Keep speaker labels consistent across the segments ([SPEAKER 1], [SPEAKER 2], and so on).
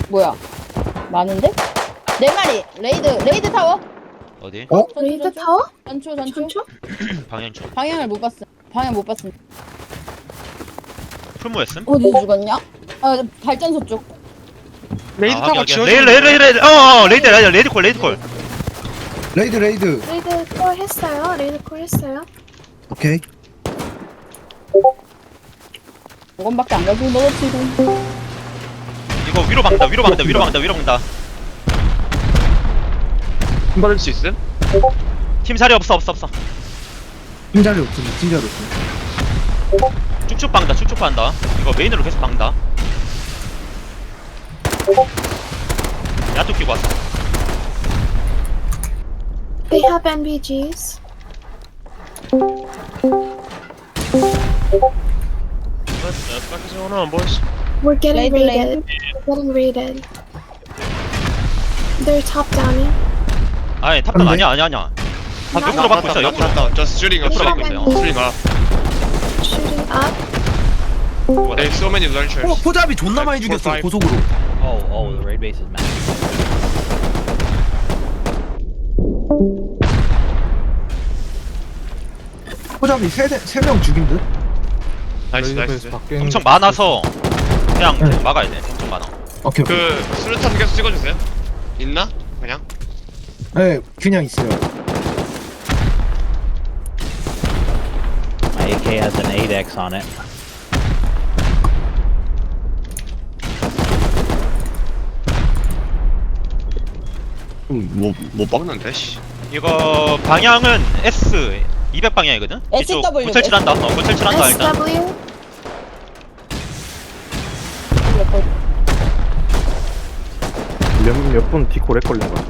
[SPEAKER 1] 뭐야? 많은데? 네 마리. 레이드 타워.
[SPEAKER 2] 어디?
[SPEAKER 3] 어?
[SPEAKER 4] 레이드 타워?
[SPEAKER 1] 전초.
[SPEAKER 4] 전초?
[SPEAKER 2] 방향초.
[SPEAKER 1] 방향을 못 봤음. 방향 못 봤음.
[SPEAKER 2] 풀무였음?
[SPEAKER 1] 어디서 죽었냐? 아, 발전소 쪽.
[SPEAKER 5] 레이드
[SPEAKER 2] 아,
[SPEAKER 5] 타고
[SPEAKER 2] 확인,
[SPEAKER 5] 지워져.
[SPEAKER 2] 레이드 레이드 콜.
[SPEAKER 3] 레이드
[SPEAKER 4] 레이드 콜 했어요. 레이드 콜 했어요.
[SPEAKER 3] 오케이.
[SPEAKER 1] 이건밖에 안 가지고 넣었지고.
[SPEAKER 2] 이거 위로 박는다.
[SPEAKER 5] 돈 받을 수 있음?
[SPEAKER 2] 팀 자리 없어.
[SPEAKER 3] 팀자리 없음.
[SPEAKER 2] 쭉쭉 박는다. 이거 메인으로 계속 박는다. 야또 끼고 왔어.
[SPEAKER 4] They have NVGs.
[SPEAKER 5] What the fuck is going on, boys?
[SPEAKER 4] We're getting
[SPEAKER 1] Raid,
[SPEAKER 4] raided. We're getting raided. They're top downing.
[SPEAKER 2] 아니 탑단
[SPEAKER 3] 안 돼?
[SPEAKER 2] 아니야. 탑 옆으로 박고 있어. 옆으로.
[SPEAKER 5] Just shooting up,
[SPEAKER 2] 옆으로
[SPEAKER 5] shooting
[SPEAKER 2] 박고
[SPEAKER 5] up,
[SPEAKER 2] 있어요.
[SPEAKER 5] shooting up.
[SPEAKER 4] Shooting up.
[SPEAKER 5] They have so many launchers.
[SPEAKER 3] 포잡이 존나 많이 죽였어 고속으로.
[SPEAKER 6] Oh, the raid base is massive.
[SPEAKER 3] 포잡이 세명 죽인 듯.
[SPEAKER 5] 나이스, 나이스.
[SPEAKER 2] 엄청 많아서 그냥
[SPEAKER 3] 네.
[SPEAKER 2] 막아야 돼. 엄청 많아.
[SPEAKER 3] 오케이.
[SPEAKER 5] 그 수류탄 계속 찍어주세요. 있나? 그냥?
[SPEAKER 3] 네, 그냥 있어요.
[SPEAKER 6] My AK has an 8x on it.
[SPEAKER 5] 뭐 먹는데, 씨.
[SPEAKER 2] 이거 방향은 S 200 방향이거든. 이쪽
[SPEAKER 1] SW.
[SPEAKER 2] 고철칠한다. 고철칠한다 일단.
[SPEAKER 4] SW.
[SPEAKER 7] 몇 분 디코렉 걸린 거야?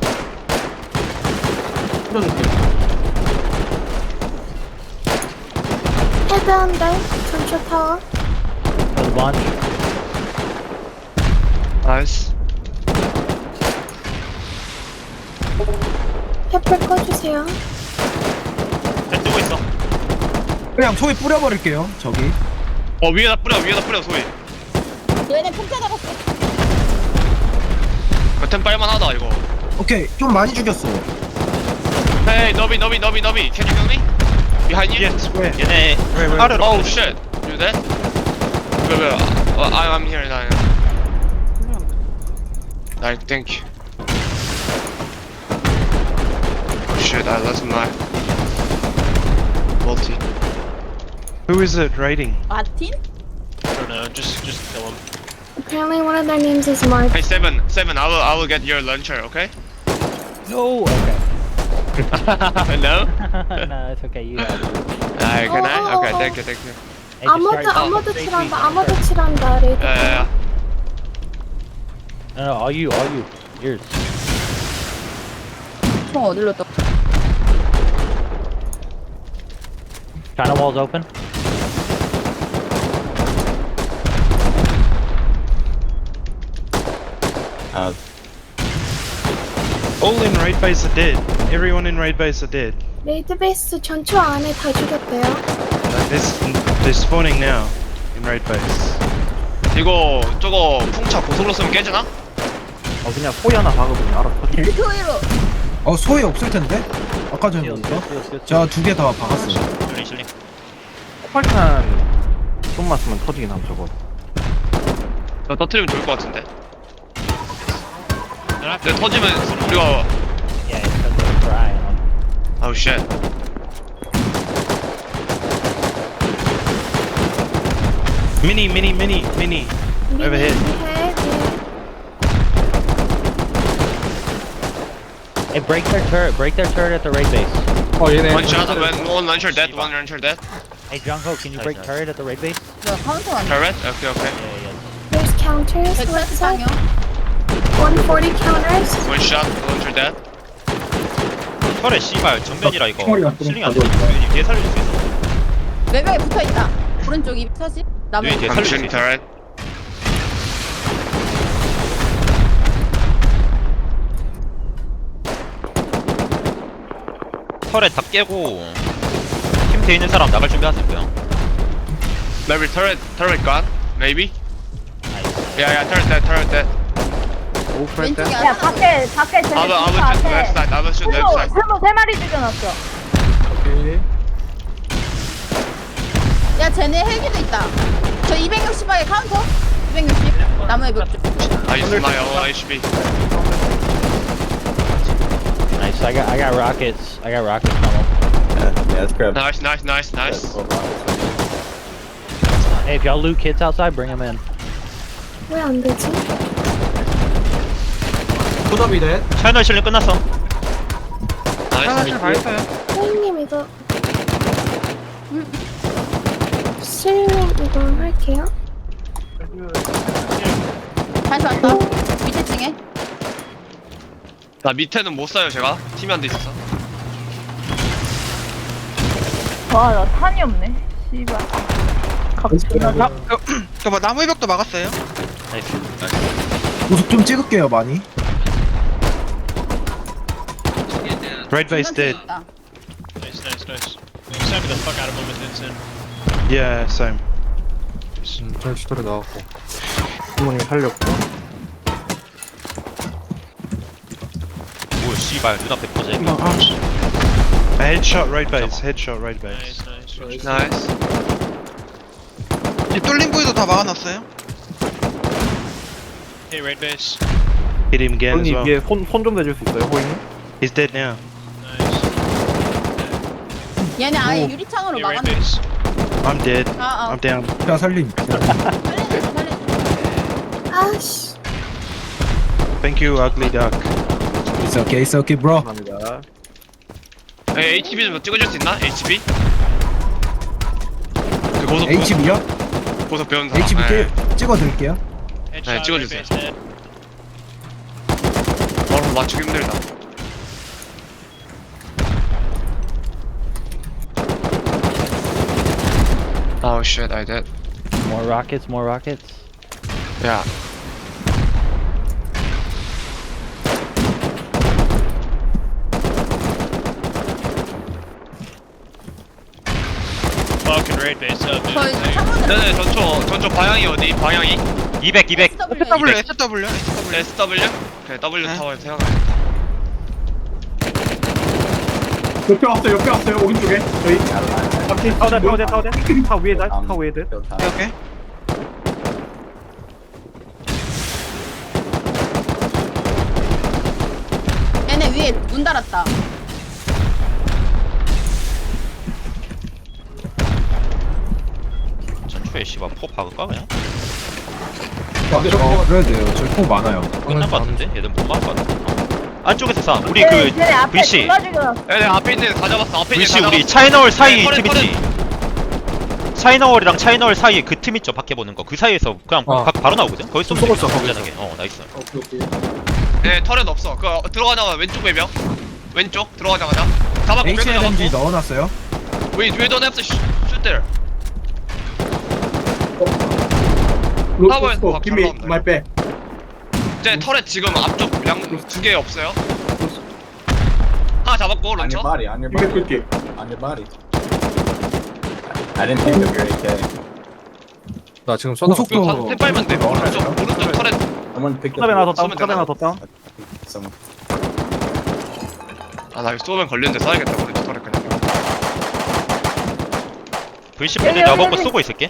[SPEAKER 4] Head down there. 전초 타워.
[SPEAKER 6] There's a bunch.
[SPEAKER 5] 나이스.
[SPEAKER 4] 햇불 꺼주세요.
[SPEAKER 2] 잘 뜨고 있어.
[SPEAKER 3] 그냥 소위 뿌려버릴게요. 저기.
[SPEAKER 5] 위에다 뿌려, 소위.
[SPEAKER 1] 얘네 폭자 잡았어.
[SPEAKER 5] 템 빨만하다, 이거.
[SPEAKER 3] 오케이, 좀 많이 죽였어.
[SPEAKER 5] Hey, Nobby. Can you heal me? Behind you?
[SPEAKER 2] 얘네 아래로.
[SPEAKER 5] Oh shit. You dead? Wait. I'm here now. I think. Oh shit, I lost my multi.
[SPEAKER 7] Who is it raiding?
[SPEAKER 1] 마틴?
[SPEAKER 5] I don't know, just kill him.
[SPEAKER 4] Apparently one of their names is Mark.
[SPEAKER 5] Hey, Seven, I will get your launcher, okay?
[SPEAKER 6] No, okay.
[SPEAKER 5] No?
[SPEAKER 6] No, it's okay. You have it.
[SPEAKER 5] Can I?
[SPEAKER 4] Oh.
[SPEAKER 5] Okay, thank you.
[SPEAKER 6] Hey, just start-
[SPEAKER 4] 아무도 칠한다. 아무도 칠한다. 레이드 타워.
[SPEAKER 5] Yeah.
[SPEAKER 6] No, all you. Yours.
[SPEAKER 1] 총 어디로 떠?
[SPEAKER 6] China wall's open.
[SPEAKER 7] All in raid base are dead. Everyone in raid base are dead.
[SPEAKER 4] 레이드 베이스 전초 안에 다 죽였대요.
[SPEAKER 7] They're spawning now in raid base.
[SPEAKER 5] 이거 저거 풍차 고속으로 쓰면 깨지나?
[SPEAKER 7] 그냥 소위 하나 박으면 알아 터지.
[SPEAKER 1] 토이로.
[SPEAKER 3] 소위 없을 텐데. 아까 전에 보니까. 제가 두 개 다 박았어요.
[SPEAKER 2] 실링.
[SPEAKER 7] 폭발탄 좀 맞으면 터지긴 함 저거.
[SPEAKER 5] 나 터트리면 좋을 것 같은데. 근데 터지면 우리가
[SPEAKER 6] Yeah, it's because they're dry.
[SPEAKER 5] Oh shit.
[SPEAKER 7] Mini. Overhead.
[SPEAKER 6] Hey, break their turret at the raid base.
[SPEAKER 5] One shot, one launcher dead, one launcher dead.
[SPEAKER 6] Hey, Jungho, can you break turret at the raid base?
[SPEAKER 1] 뭐야, 카운터 아니야?
[SPEAKER 5] Turret? Okay.
[SPEAKER 6] Yeah.
[SPEAKER 4] There's counters. What's that? 140 counters.
[SPEAKER 5] One shot, launcher dead.
[SPEAKER 2] 털에 씨발 정면이라 이거
[SPEAKER 3] 총알이
[SPEAKER 2] 실링 안 돼. 유인이 뒤에 살릴 수 있어.
[SPEAKER 1] 외벽에 붙어 있다. 오른쪽 240. 나무.
[SPEAKER 2] 유인 뒤에
[SPEAKER 5] I'm
[SPEAKER 2] 살릴 수
[SPEAKER 5] shooting
[SPEAKER 2] 있어.
[SPEAKER 5] turret.
[SPEAKER 2] 털에 다 깨고 팀 돼 있는 사람 나갈 준비하시고요.
[SPEAKER 5] Maybe turret gone? Maybe?
[SPEAKER 6] Nice.
[SPEAKER 5] Yeah, turret dead.
[SPEAKER 1] 왼쪽에
[SPEAKER 5] I
[SPEAKER 1] 하나.
[SPEAKER 5] will shoot left side. I will shoot left side.
[SPEAKER 1] 세 마리 죽여놨어. 야, 쟤네 헬기도 있다. 저 260방에 카운터. 260. 나무의 벽 쪽.
[SPEAKER 5] I use my own HP.
[SPEAKER 6] Nice. I got rockets. I got rockets coming.
[SPEAKER 5] Nice, nice, nice, nice.
[SPEAKER 6] Hey, if y'all loot kits outside, bring them in.
[SPEAKER 4] 왜 안 되지?
[SPEAKER 2] 차이널 실력 끝났어.
[SPEAKER 5] Nice.
[SPEAKER 4] 선생님 이거 실력 이거 할게요.
[SPEAKER 1] 다시 왔다. 밑에 층에.
[SPEAKER 5] 나 밑에는 못 사요 제가. 팀이 안 돼 있어서.
[SPEAKER 1] 와, 나 탄이 없네. 씨발.
[SPEAKER 8] 저뭐 나무의 벽도 막았어요?
[SPEAKER 2] 나이스.
[SPEAKER 3] 우속 좀 찍을게요 많이.
[SPEAKER 7] Red base dead.
[SPEAKER 9] Nice, nice, nice. Stabbing the fuck out of him with Vincent.
[SPEAKER 7] Yeah, same.
[SPEAKER 2] 오 씨발 눈앞에 퍼져.
[SPEAKER 7] A headshot red base. Headshot red base.
[SPEAKER 9] Nice, nice.
[SPEAKER 5] 나이스.
[SPEAKER 8] 이 뚫린 부위도 다 막아놨어요?
[SPEAKER 9] Hey, raid base.
[SPEAKER 7] Hit him again as well.
[SPEAKER 10] 손좀 대줄 수 있어요, 호잉?
[SPEAKER 7] He's dead now.
[SPEAKER 9] Nice.
[SPEAKER 1] 얘네 아예 유리창으로
[SPEAKER 9] Hey, raid
[SPEAKER 1] 막았네.
[SPEAKER 9] base.
[SPEAKER 7] I'm dead.
[SPEAKER 1] 아,
[SPEAKER 7] I'm down.
[SPEAKER 3] 자 살림.
[SPEAKER 1] 살려줘, 살려줘.
[SPEAKER 4] 아씨.
[SPEAKER 7] Thank you, ugly duck.
[SPEAKER 3] It's okay, bro.
[SPEAKER 10] 감사합니다.
[SPEAKER 5] HB 좀 찍어줄 수 있나? HB? 그 고속
[SPEAKER 3] HB요?
[SPEAKER 5] 고속 배운 사람.
[SPEAKER 3] HB
[SPEAKER 5] 네.
[SPEAKER 3] 찍어드릴게요.
[SPEAKER 9] Headshot,
[SPEAKER 5] 찍어주세요.
[SPEAKER 9] raid base dead.
[SPEAKER 5] 바로 맞추기 힘들다. Oh shit, I did.
[SPEAKER 6] More rockets. More rockets.
[SPEAKER 5] Yeah.
[SPEAKER 9] Fucking raid base up, dude.
[SPEAKER 1] 거의
[SPEAKER 9] Hey,
[SPEAKER 1] 창문을.
[SPEAKER 5] 네네, 전초 방향이 어디? 방향이?
[SPEAKER 2] 200, 200.
[SPEAKER 8] SW, SW, SW.
[SPEAKER 5] SW? 그래, W
[SPEAKER 8] 네.
[SPEAKER 5] 타워에 생각해.
[SPEAKER 10] 옆에 왔어요, 오른쪽에. 저희. 타워대. 타 위에 다, 타 위에 들.
[SPEAKER 8] 오케이.
[SPEAKER 1] 얘네 위에 문 달았다.
[SPEAKER 2] 전초에 씨발 포 박을까 그냥?
[SPEAKER 3] 그래야 돼요. 저희 포 많아요.
[SPEAKER 2] 끝난 거 같은데? 얘들 못 막을 것 같아. 안쪽에서 사. 우리 그 VC.
[SPEAKER 5] 네, 앞에 있는 애 다 잡았어. 앞에 있는
[SPEAKER 2] VC
[SPEAKER 5] 애 다
[SPEAKER 2] 우리
[SPEAKER 5] 잡았어.
[SPEAKER 2] 차이너월 사이
[SPEAKER 5] 네,
[SPEAKER 2] 팀
[SPEAKER 5] 털에,
[SPEAKER 2] 있지. 차이너월이랑 차이너월 사이에 그 팀 있죠. 밖에 보는 거. 그 사이에서 그냥 바로 나오거든. 거기서 쏘면 되겠다. 안전하게. 나이스.
[SPEAKER 5] 네, 털엔 없어. 그 들어가자마자 왼쪽 외벽. 왼쪽 들어가자마자. 잡았고
[SPEAKER 3] HLMG
[SPEAKER 5] 잡았고.
[SPEAKER 3] 넣어놨어요.
[SPEAKER 5] We don't have to shoot there. 타워에서 잘 나온다. 이제 털에 지금 앞쪽 양 두 개 없어요. 하나 잡았고 런처.
[SPEAKER 10] 나 지금
[SPEAKER 3] 고속도
[SPEAKER 5] 템 빨면 돼. 오른쪽 털에
[SPEAKER 10] 탑에 하나 더 다운, 탑에 하나 더 다운.
[SPEAKER 5] 나 이거 쏘면 걸리는데 쏴야겠다. 오른쪽 털에 그냥.
[SPEAKER 2] VC 분들 내가 먹고 쏘고 있을게.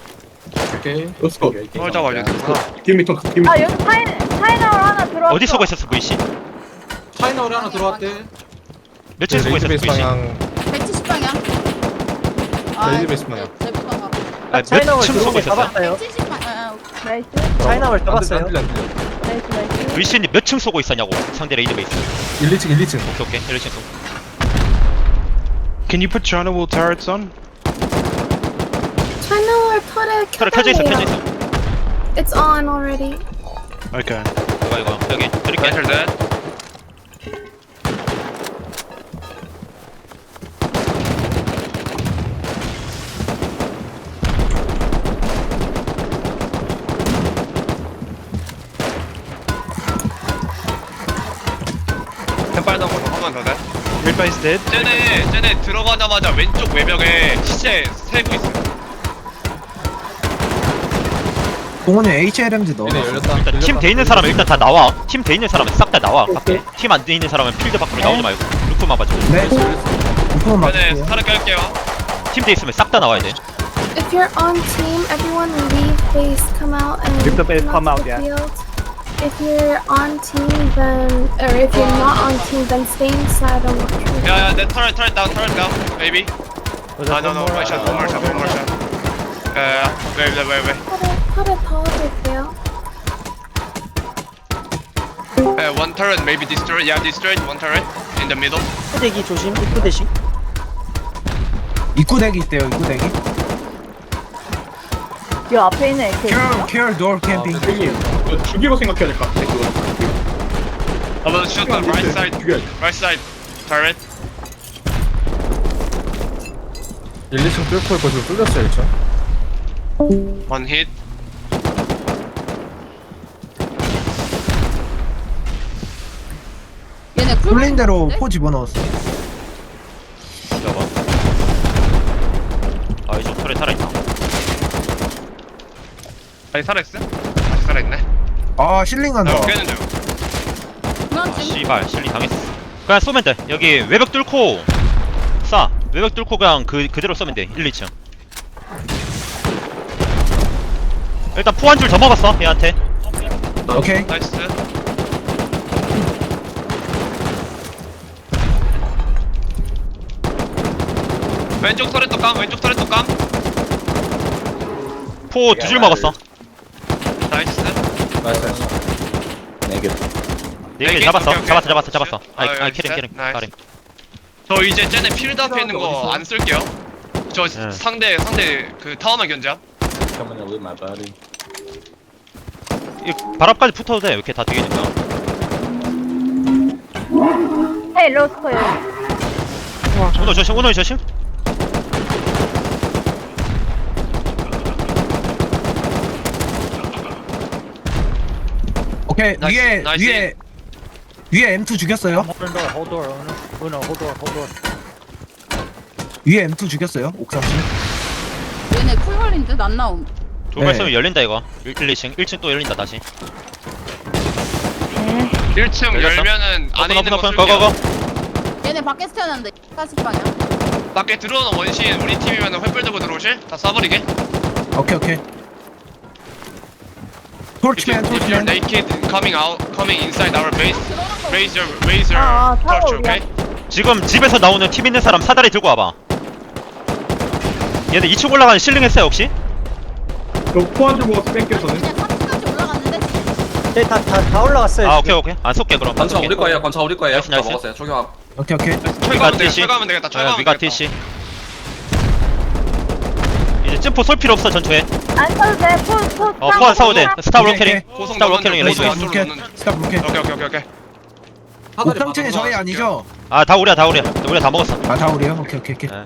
[SPEAKER 5] 털 잡아야 되구나.
[SPEAKER 1] 아, 여기 차이나월 하나 들어왔어.
[SPEAKER 2] 어디 쏘고 있었어 VC?
[SPEAKER 8] 차이나월에 하나 들어왔대.
[SPEAKER 2] 몇층 쏘고 있었어 VC?
[SPEAKER 1] 170방향. 아,
[SPEAKER 10] 레이드베이스 방향.
[SPEAKER 1] 제부가가.
[SPEAKER 2] 몇층 쏘고 있었어?
[SPEAKER 1] 170방향. 나이스.
[SPEAKER 10] 차이나월 잡았어요.
[SPEAKER 1] 나이스.
[SPEAKER 2] VC님 몇 층 쏘고 있었냐고. 상대 레이드 베이스.
[SPEAKER 3] 1, 2층, 1, 2층.
[SPEAKER 2] 오케이. 1층 쏘.
[SPEAKER 7] Can you put China wall turrets on?
[SPEAKER 4] 채널 털에
[SPEAKER 2] 털에 켜져 있어.
[SPEAKER 4] 켜달래요. It's on already.
[SPEAKER 7] Okay.
[SPEAKER 2] 이거 여기 드릴게.
[SPEAKER 5] 멘틀 넷. 빨간 거 한번 더 돼?
[SPEAKER 7] Red base dead.
[SPEAKER 5] 쟤네 들어가자마자 왼쪽 외벽에 시체 세고 있어.
[SPEAKER 3] 공원에 HLMG 넣어.
[SPEAKER 2] 일단 팀 돼 있는 사람은 일단 다 나와. 팀 돼 있는 사람은 싹 다 나와. 밖에. 팀 안 돼 있는 사람은 필드 밖으로 나오지 말고 루프만 봐줘.
[SPEAKER 3] 네. 루프만
[SPEAKER 5] 네,
[SPEAKER 3] 맞을게요.
[SPEAKER 5] 타를 깔게요.
[SPEAKER 2] 팀 돼 있으면 싹 다 나와야 돼.
[SPEAKER 4] If you're on team, everyone leave base, come out and
[SPEAKER 10] Leave the base, come out,
[SPEAKER 4] the
[SPEAKER 10] yeah.
[SPEAKER 4] field. If you're on team, then or if you're not on team, then stay inside and watch.
[SPEAKER 5] 야, 내 turret down, maybe.
[SPEAKER 6] Was
[SPEAKER 5] 아,
[SPEAKER 6] that
[SPEAKER 5] no,
[SPEAKER 6] one
[SPEAKER 5] one
[SPEAKER 6] more?
[SPEAKER 5] shot. wait.
[SPEAKER 4] 털에 넣어줄게요.
[SPEAKER 5] One turret maybe destroyed. Yeah, destroyed. One turret in the middle.
[SPEAKER 6] 대기 조심. 입구 대시.
[SPEAKER 3] 입구 대기 있대요. 입구 대기.
[SPEAKER 1] 이 앞에 있는 AK
[SPEAKER 3] Care door camping.
[SPEAKER 10] 이거 죽이고 생각해야 될 것 같아. 그거.
[SPEAKER 5] I'm gonna shoot the right side.
[SPEAKER 10] 죽여야지.
[SPEAKER 5] Right side turret.
[SPEAKER 10] 1, 2층 뚫고 있고 지금 뚫렸어요, 1층.
[SPEAKER 5] One hit.
[SPEAKER 1] 얘네 쿨
[SPEAKER 3] 뚫린 대로 포 집어넣었어.
[SPEAKER 2] 잡아. 아 이쪽 털에 살아있다.
[SPEAKER 5] 아니 살아있어? 아직 살아있네.
[SPEAKER 3] 아 실링한다.
[SPEAKER 5] 나 깨는 중.
[SPEAKER 1] 그만
[SPEAKER 2] 아
[SPEAKER 1] 좀
[SPEAKER 2] 씨발 실리 당했어. 그냥 쏘면 돼. 여기 외벽 뚫고 쏴. 외벽 뚫고 그냥 그대로 쏘면 돼. 1, 2층. 일단 포 한 줄 더 먹었어 얘한테.
[SPEAKER 3] 오케이.
[SPEAKER 5] 나이스. 왼쪽 터렛 또 깜.
[SPEAKER 2] 포 두 줄 먹었어.
[SPEAKER 5] 나이스.
[SPEAKER 2] 네 개
[SPEAKER 5] 네 개?
[SPEAKER 2] 잡았어.
[SPEAKER 5] 오케이, 오케이.
[SPEAKER 2] 잡았어. 아이
[SPEAKER 5] 아,
[SPEAKER 2] 캐링.
[SPEAKER 5] 나이스.
[SPEAKER 2] 가리.
[SPEAKER 5] 저 이제 쟤네 필드 앞에 있는 거 안 쓸게요. 저
[SPEAKER 2] 네.
[SPEAKER 5] 상대 그 타워만 견제함.
[SPEAKER 2] 이 바람까지 붙어도 돼. 왜 이렇게 다 뒤에 있는 거야?
[SPEAKER 1] 헤이 로스코요
[SPEAKER 2] 오너 조심.
[SPEAKER 3] 오케이.
[SPEAKER 5] 나이스, 나이스.
[SPEAKER 3] 위에 M2 죽였어요.
[SPEAKER 6] Hold door. Hold door. Uno, hold door.
[SPEAKER 3] 위에 M2 죽였어요. 옥상층.
[SPEAKER 1] 얘네 쿨 걸린 듯 안 나옴
[SPEAKER 2] 두발
[SPEAKER 3] 네.
[SPEAKER 2] 쏘면 열린다 이거. 1, 2층. 1층 또 열린다 다시.
[SPEAKER 5] 1층
[SPEAKER 2] 열렸어?
[SPEAKER 5] 열면은 안에 있는 거
[SPEAKER 2] 오픈.
[SPEAKER 5] 쓸게요.
[SPEAKER 2] 고고고.
[SPEAKER 1] 얘네 밖에서 태어났는데 40방향
[SPEAKER 5] 밖에 들어오는 원신 우리 팀이면 횃불 들고 들어오실? 다 쏴버리게.
[SPEAKER 3] 오케이.
[SPEAKER 5] If
[SPEAKER 3] 토치맨.
[SPEAKER 5] you're naked coming inside our base, raise your torch, okay?
[SPEAKER 2] 지금 집에서 나오는 팀 있는 사람 사다리 들고 와봐. 얘네 2층 올라가는 실링 했어요 혹시?
[SPEAKER 10] 포한줄 먹어서 뺏겨서는.
[SPEAKER 1] 그냥 30까지 올라갔는데
[SPEAKER 6] 네, 다 올라갔어요.
[SPEAKER 2] 아 오케이. 안 쏠게 그럼.
[SPEAKER 11] 관차 우리 거예요.
[SPEAKER 2] 나이스,
[SPEAKER 11] 다
[SPEAKER 2] 나이스.
[SPEAKER 11] 먹었어요. 초경합.
[SPEAKER 3] 오케이.
[SPEAKER 5] 철거하면 되겠다.
[SPEAKER 2] 위가 TC. 이제 쯤포 쏠 필요 없어 전투에.
[SPEAKER 1] 안 써도 돼
[SPEAKER 2] 포안 싸워도 돼. 스타
[SPEAKER 3] 오케이,
[SPEAKER 2] 로캐링.
[SPEAKER 5] 고성
[SPEAKER 2] 스타
[SPEAKER 5] 넣는
[SPEAKER 2] 로캐링
[SPEAKER 5] 중,
[SPEAKER 2] 레이저.
[SPEAKER 5] 고성
[SPEAKER 3] 로켓.
[SPEAKER 5] 넣는 중.
[SPEAKER 3] 스탑 로켓.
[SPEAKER 5] 오케이.
[SPEAKER 3] 옥상층이 저희 아니죠?
[SPEAKER 2] 아 다 우리야. 우리가 다 먹었어.
[SPEAKER 3] 아 다 우리요? 오케이.
[SPEAKER 2] 네.